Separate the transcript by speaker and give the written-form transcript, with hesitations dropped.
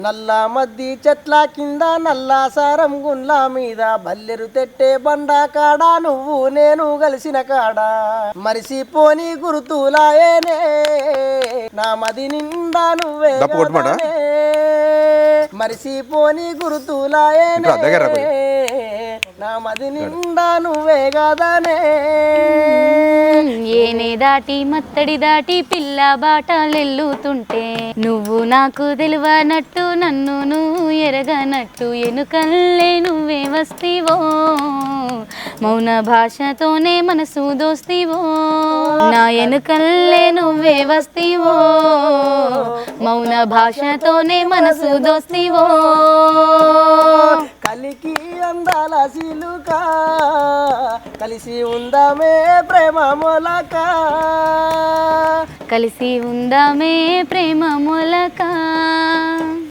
Speaker 1: నల్ల మద్ది చెట్ల కింద నల్ల సారం గుండ్ల మీద బల్లెరు తెట్టే బండ కాడ నువ్వు నేను కలిసిన కాడ మరిసిపోని గుర్తులాయేనే నా మది నిండా నువ్వే మరిసిపోని గుర్తులాయేనే నా మది నిండా నువ్వే గదనే
Speaker 2: ఏనే దాటి మత్తడి దాటి పిల్ల బాటలెల్లుతుంటే నువ్వు నాకు తెలివనట్టు నన్ను నువ్వు ఎరగనట్టు ఎనుకల్లే నువ్వే వస్తీవో మౌన భాషతోనే మనసు దోస్తీవో నా ఎనుకల్లే నువ్వే వస్తీవో మౌన భాషతోనే మనసు దోస్తీవో
Speaker 1: కలికి అందాల సిలుక కలిసి ఉందామే ప్రేమ మొలక
Speaker 2: కలిసి ఉందామే ప్రేమ మొలక